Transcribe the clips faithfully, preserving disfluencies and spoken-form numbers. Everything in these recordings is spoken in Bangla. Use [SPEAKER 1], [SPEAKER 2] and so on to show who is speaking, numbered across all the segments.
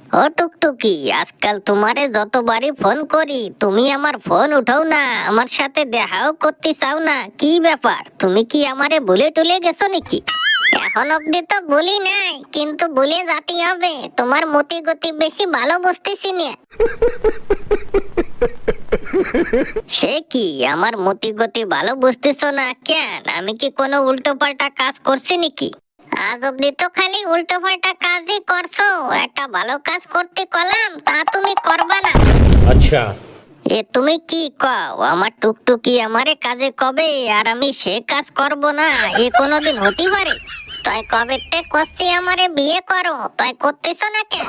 [SPEAKER 1] ও টুকটুকি, আজকাল তোমারে যতবারই ফোন করি তুমি আমার ফোন উঠাও না, আমার সাথে দেখাও করতে চাও না। কি ব্যাপার, তুমি কি আমারে ভুলে টুলে গেছো নাকি? এখন অব্দি তো বলি নাই, কিন্তু বলে যাতে হবে। তোমার মতি গতি বেশি ভালো বুঝতেছি না। সে কি, আমার মতি গতি ভালো বুঝতেছো না কেন? আমি কি কোনো উল্টো পাল্টা কাজ করছি নাকি? আজ অব্দি তো খালি উল্টো পাল্টা কাজই করছো। একটা ভালো কাজ করতে কলাম, তা তুমি করবা না।
[SPEAKER 2] আচ্ছা,
[SPEAKER 1] এ তুমি কি কও? আমার টুকটুকি আমারে কাজে কবে, আর আমি সে কাজ করব না? এ কোনোদিন হতে পারে? তাই কবে তে করছি আমারে বিয়ে করো, তাই করতেছ না কেন?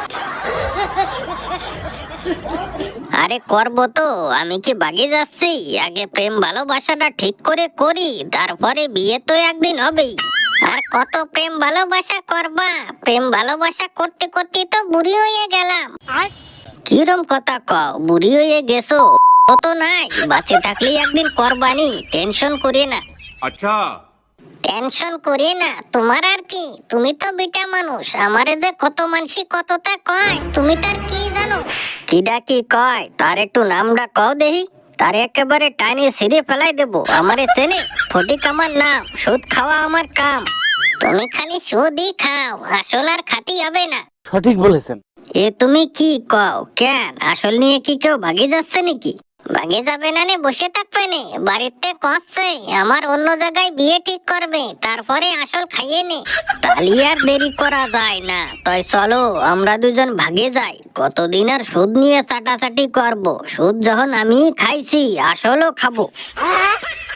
[SPEAKER 1] আরে করবো তো, আমি কি বাগে যাচ্ছি? আগে প্রেম ভালোবাসাটা ঠিক করে করি, তারপরে বিয়ে তো একদিন হবেই। আর কত প্রেম ভালোবাসা করবা? প্রেম ভালোবাসা করতে করতে তো বুড়ি হয়ে গেলাম। কিরম কথা কও, বুড়ি হয়ে গেছো? কত নাই, বাঁচে থাকলে একদিন করবানি, টেনশন করি না।
[SPEAKER 3] अच्छा
[SPEAKER 1] টেনশন করি না, তোমার আর কি? তুমি তো বিটা মানুষ, আমারে যে কত মানসি কতটা কয়, তুমি তার কি জানো? কিডা কি কয় তার একটু নামটা কও দেহি। তার একেবারে টাইনে সিঁড়ে ফেলাই দেবো। আমারে চেনে? ফটিক আমার নাম, সুদ খাওয়া আমার কাম। তুমি খালি সুদই খাও, আসল আর খাতি হবে না।
[SPEAKER 4] সঠিক বলেছেন।
[SPEAKER 1] এ তুমি কি কও? কেন, আসল নিয়ে কি কেউ ভাগে যাচ্ছে নাকি? ভাগে যাবে না নে, বসে থাকবে নে? বাড়িতে কষছে আমার অন্য জায়গায় বিয়ে ঠিক করবে, তারপরে আসল খাইয়ে নে। তালি আর দেরি করা যায় না, তাই চলো আমরা দুজন ভাগে যাই। কতদিন আর সুদ নিয়ে চাটাচাটি করব? সুদ যখন আমি খাইছি, আসলও খাবো।